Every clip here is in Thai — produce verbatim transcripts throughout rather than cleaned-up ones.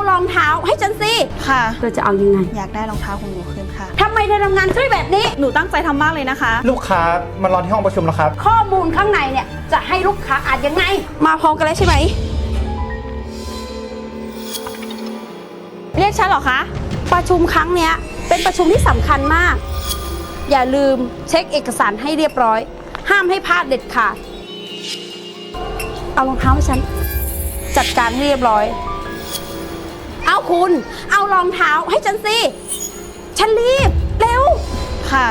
รองเท้าให้ฉันสิค่ะเธอจะเอายังไงอยากได้รองเท้าของหนูคืนค่ะทำไมเธอทำงานช่วยแบบนี้หนูตั้งใจทำมากเลยนะคะลูกค้ามารอที่ห้องประชุมแล้วครับข้อมูลข้างในเนี่ยจะให้ลูกค้าอ่านยังไงมาพร้อมกันแล้วใช่ไหมเรียกฉันเหรอคะประชุมครั้งเนี้ยเป็นประชุมที่สำคัญมากอย่าลืมเช็คเอกสารให้เรียบร้อยห้ามให้พลาดเด็ดขาดเอารองเท้าให้ฉันจัดการให้เรียบร้อยเอาคุณเอารองเท้าให้ฉันสิฉันรีบเร็วค่ะ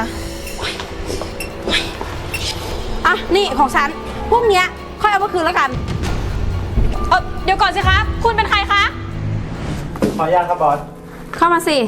อ่ะนี่ของฉันพวกเนี้ยค่อยเอามาคืนแล้วกันเออเดี๋ยวก่อนสิคะคุณเป็นใครคะขออนุญาตครับบอสเข้ามาสิ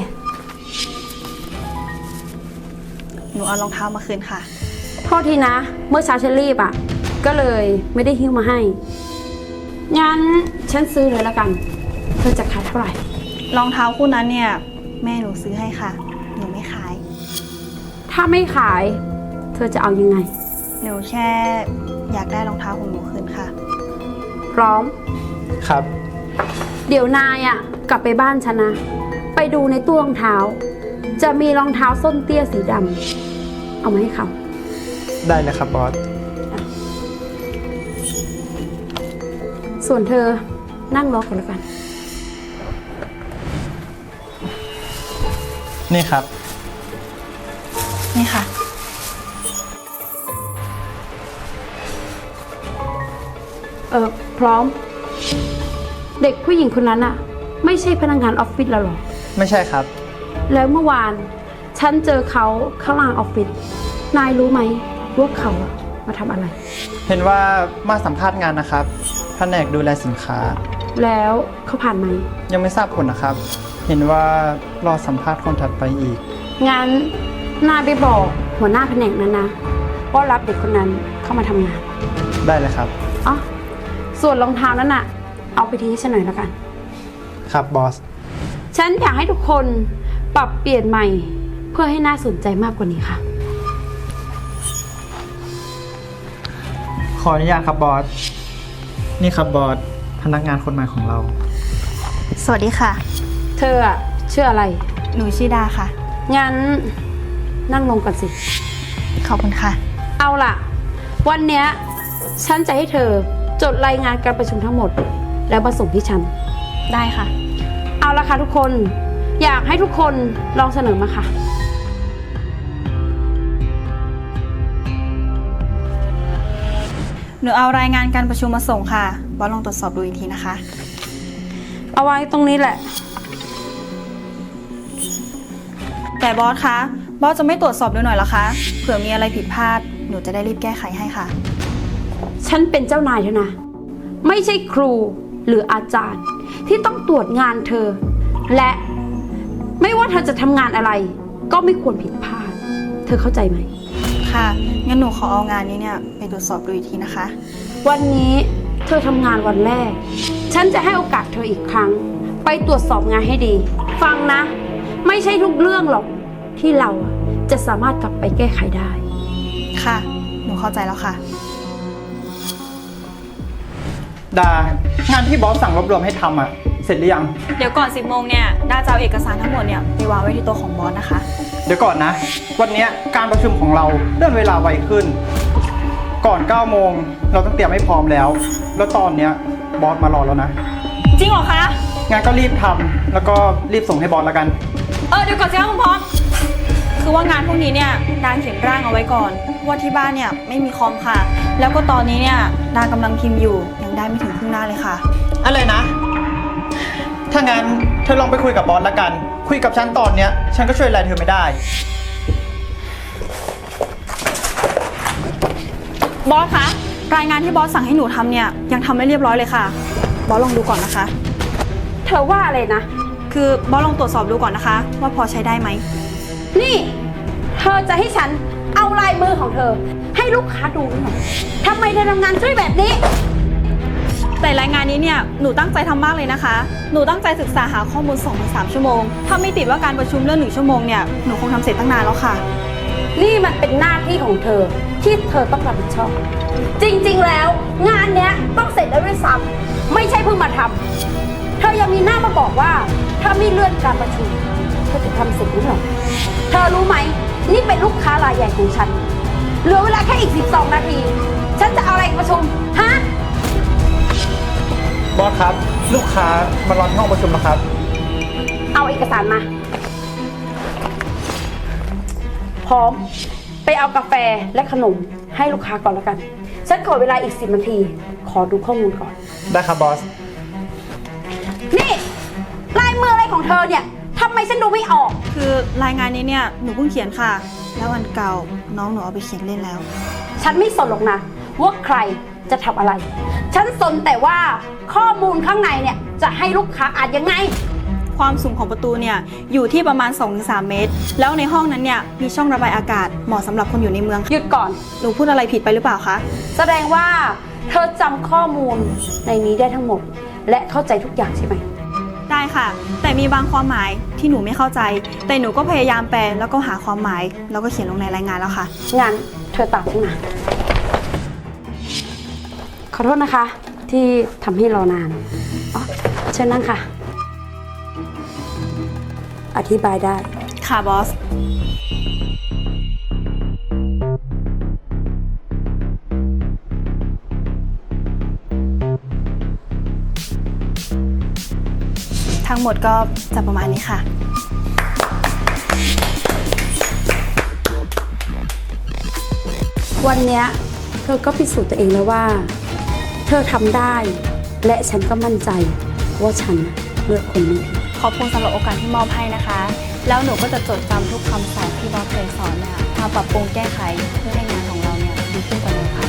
หนูเอารองเท้ามาคืนค่ะโทษทีนะเมื่อเช้าฉันรีบอ่ะก็เลยไม่ได้หิ้วมาให้งั้นฉันซื้อเลยแล้วกันเธอจะขายเท่าไหร่รองเท้าคู่นั้นเนี่ยแม่หนูซื้อให้ค่ะหนูไม่ขายถ้าไม่ขายเธอจะเอายังไงหนูแค่อยากได้รองเท้าของหนูคืนค่ะพร้อมครับเดี๋ยวนายอ่ะกลับไปบ้านฉันนะไปดูในตู้รองเท้าจะมีรองเท้าส้นเตี้ยสีดำเอามาให้เขาได้เลยครับบอสส่วนเธอนั่งรอก่อนแล้วกันนี่ครับนี่ค่ะเออพร้อมเด็กผู้หญิงคนนั้นอะไม่ใช่พนักงานออฟฟิศเราหรอไม่ใช่ครับแล้วเมื่อวานฉันเจอเขาข้างล่างออฟฟิศนายรู้ไหมว่าเขามาทำอะไรเห็นว่ามาสัมภาษณ์งานนะครับแผนกดูแลสินค้าแล้วเขาผ่านไหมยังไม่ทราบผลนะครับเห็นว่ารอสัมภาษณ์คนถัดไปอีกงั้นนายไปบอกหัวหน้าแผนกนั้นนะว่ารับเด็กคนนั้นเข้ามาทำงานได้เลยครับอ๋อส่วนรองเท้านั้นน่ะเอาไปทิ้งให้ฉันหน่อยแล้วกันครับบอสฉันอยากให้ทุกคนปรับเปลี่ยนใหม่เพื่อให้น่าสนใจมากกว่านี้ค่ะขออนุญาตครับบอสนี่ครับบอสพนักงานคนใหม่ของเราสวัสดีค่ะเธออะชื่ออะไรหนูชื่อดาค่ะงั้นนั่งลงก่อนสิขอบคุณค่ะเอาล่ะวันเนี้ยฉันจะให้เธอจดรายงานการประชุมทั้งหมดแล้วมาส่งที่ฉันได้ค่ะเอาละค่ะทุกคนอยากให้ทุกคนลองเสนอมาค่ะหนูเอารายงานการประชุมมาส่งค่ะบอสลองตรวจสอบดูอีกทีนะคะเอาไว้ตรงนี้แหละแต่บอสคะบอสจะไม่ตรวจสอบดูหน่อยเหรอคะเผื่อมีอะไรผิดพลาดหนูจะได้รีบแก้ไขให้ค่ะฉันเป็นเจ้านายเธอนะไม่ใช่ครูหรืออาจารย์ที่ต้องตรวจงานเธอและไม่ว่าเธอจะทำงานอะไรก็ไม่ควรผิดพลาดเธอเข้าใจไหมค่ะงั้นหนูขอเอางานนี้เนี่ยไปตรวจสอบดูอีกทีนะคะวันนี้เธอทำงานวันแรกฉันจะให้โอกาสเธออีกครั้งไปตรวจสอบงานให้ดีฟังนะไม่ใช่ทุกเรื่องหรอกที่เราจะสามารถกลับไปแก้ไขได้ค่ะหนูเข้าใจแล้วค่ะดางานที่บอสสั่งรวบรวมให้ทำอ่ะเสร็จหรือยังเดี๋ยวก่อนสิบโมงเนี่ยดาจะเอาเอกสารทั้งหมดเนี่ยไปวางไว้ที่โต๊ะของบอสนะคะเดี๋ยวก่อนนะวันนี้การประชุมของเราเลื่อนเวลาไวขึ้นก่อนเก้าโมงเราต้องเตรียมให้พร้อมแล้วแล้วตอนเนี้ยบอสมารอแล้วนะจริงเหรอคะงานก็รีบทำแล้วก็รีบส่งให้บอสแล้วกันเออเดี๋ยวก่อนสิคะคุณพร้อมคือว่างานพวกนี้เนี่ยดาเขียนร่างเอาไว้ก่อนว่าที่บ้านเนี่ยไม่มีคอมค่ะแล้วก็ตอนนี้เนี่ยดากำลังพิมพ์อยู่ยังได้ไม่ถึงครึ่งหน้าเลยค่ะอะไรนะถ้างั้นเธอลองไปคุยกับบอสแล้วกันคุยกับฉันตอนเนี้ยฉันก็ช่วยอะไรเธอไม่ได้บอสคะรายงานที่บอสสั่งให้หนูทำเนี่ยยังทำไม่เรียบร้อยเลยค่ะบอสลองดูก่อนนะคะเธอว่าอะไรนะคือบอสลองตรวจสอบดูก่อนนะคะว่าพอใช้ได้ไหมนี่เธอจะให้ฉันเอาลายมือของเธอให้ลูกค้าดูหรือเปล่าทำไมเธอทำงานช่วยแบบนี้แต่รายงานนี้เนี่ยหนูตั้งใจทำมากเลยนะคะหนูตั้งใจศึกษาหาข้อมูล สองถึงสาม ชั่วโมงถ้าไม่ติดว่าการประชุมเรื่องหนึ่งชั่วโมงเนี่ยหนูคงทำเสร็จตั้งนานแล้วค่ะนี่มันเป็นหน้าที่ของเธอที่เธอต้องรับผิดชอบจริงๆแล้วงานเนี้ยต้องเสร็จแล้วด้วยซ้ำไม่ใช่เพิ่งมาทำเธอยังมีหน้ามาบอกว่า ถ้าไม่เลื่อนการประชุมเธอจะทำเสร็จหรือเปล่าเธอรู้ไหม นี่เป็นลูกค้ารายใหญ่ของฉัน เหลือเวลาแค่อีกสิบสองนาที ฉันจะเอาอะไรประชุม ฮะบอสครับ ลูกค้ามารอที่ห้องประชุมแล้วครับเอาเอกสารมา พร้อม ไปเอากาแฟและขนมให้ลูกค้าก่อนแล้วกัน ฉันขอเวลาอีกสิบนาที ขอดูข้อมูลก่อนได้ครับบอสนี่ ลายมืออะไรของเธอเนี่ยทำไมฉันดูไม่ออกคือรายงานนี้เนี่ยหนูเพิ่งเขียนค่ะ แล้วอันเก่าน้องหนูเอาไปเขียนเล่นแล้วฉันไม่สนหรอกนะว่าใครจะทำอะไร ฉันสนแต่ว่าข้อมูลข้างในเนี่ยจะให้ลูกค้าอ่านยังไงความสูงของประตูเนี่ยอยู่ที่ประมาณ สองถึงสาม เมตร แล้วในห้องนั้นเนี่ยมีช่องระบายอากาศเหมาะสำหรับคนอยู่ในเมืองหยุดก่อนหนูพูดอะไรผิดไปหรือเปล่าคะแสดงว่าเธอจำข้อมูลในนี้ได้ทั้งหมด และเข้าใจทุกอย่างใช่ไหมได้ค่ะ แต่มีบางความหมายที่หนูไม่เข้าใจ แต่หนูก็พยายามแปลแล้วก็หาความหมาย แล้วก็เขียนลงในรายงานแล้วค่ะงั้นเธอตามฉันมา ขอโทษนะคะ ที่ทำให้รอนานอ๋อเชิญนั่งค่ะ อธิบายได้ค่ะบอส ทั้งหมดก็จะประมาณนี้ค่ะวันเนี้ยเธอก็พิสูจน์ตัวเองแล้วว่า เธอทำได้ และฉันก็มั่นใจว่าฉันเลือกคนนี้ขอบคุณสำหรับโอกาสที่มอบให้นะคะ แล้วหนูก็จะจดจำทุกคำสอนที่บอสเคยสอนเนี่ยมาปรับปรุงแก้ไขเพื่อให้งานของเราเนี่ยดีขึ้นกว่านี้ค่ะ